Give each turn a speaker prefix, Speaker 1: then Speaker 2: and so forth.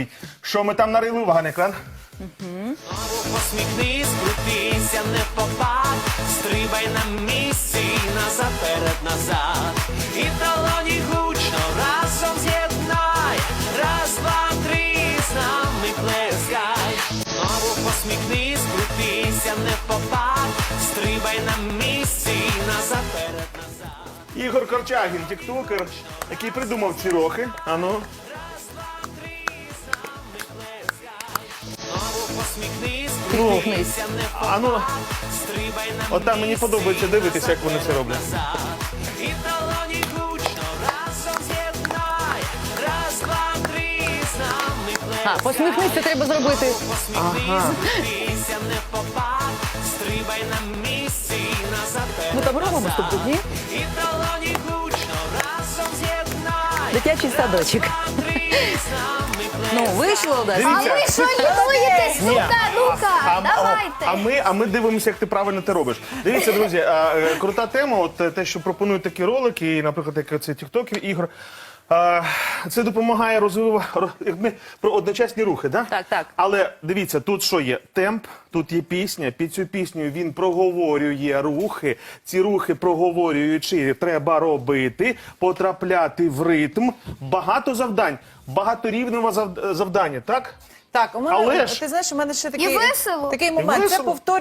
Speaker 1: Що ми там нарили? Увага на екран.
Speaker 2: Посміхнись, крутися, не попад, стрибай на місці, назад, перед, назад. І долоні гучно разом з'єднай, раз, два, три, з нами плескай. Знову посміхнись, крутися, не попад, стрибай на місці, назад, перед, назад.
Speaker 1: Ігор Корчагін, тіктокер, який придумав ці рухи. Ану.
Speaker 2: Посміхнись,
Speaker 1: Ну,
Speaker 2: крутися, не
Speaker 1: ану.
Speaker 2: попад, стрибай на
Speaker 1: От там мені подобається дивитися, як вони це роблять.
Speaker 2: і долоні гучно разом з'єднай, раз, два, три, з нами плескай.
Speaker 3: Посміхнися треба зробити.
Speaker 2: Посміхнись, крутися, не попад, стрибай на місці, назад, перед,
Speaker 3: Ми там робимо
Speaker 2: назад.
Speaker 3: тут, ні?
Speaker 2: І долоні гучно разом з'єднай,
Speaker 3: Дитячий садочок.
Speaker 2: два, три, з нами
Speaker 3: Ну,
Speaker 2: плескай.
Speaker 3: вийшло, да?
Speaker 1: Дивіться.
Speaker 4: А ви що лінуєтесь? Ну-ка, давайте.
Speaker 1: А ми дивимося, як ти правильно це робиш. Дивіться, друзі, крута тема, от те, що пропонують такі ролики, і, наприклад, як це тіктокер, ігор. Це допомагає розвивати про одночасні рухи, да?
Speaker 3: Так, так.
Speaker 1: Але дивіться, тут що є? Темп, тут є пісня, під цю пісню він проговорює рухи. Ці рухи проговорюючи, треба робити, потрапляти в ритм. Багато завдань, багаторівневе завдання, так?
Speaker 5: Так, у мене,
Speaker 1: Але ж-
Speaker 5: ти знаєш, у мене ще
Speaker 4: І весело.
Speaker 5: такий момент. Це
Speaker 1: весело.
Speaker 5: повторює.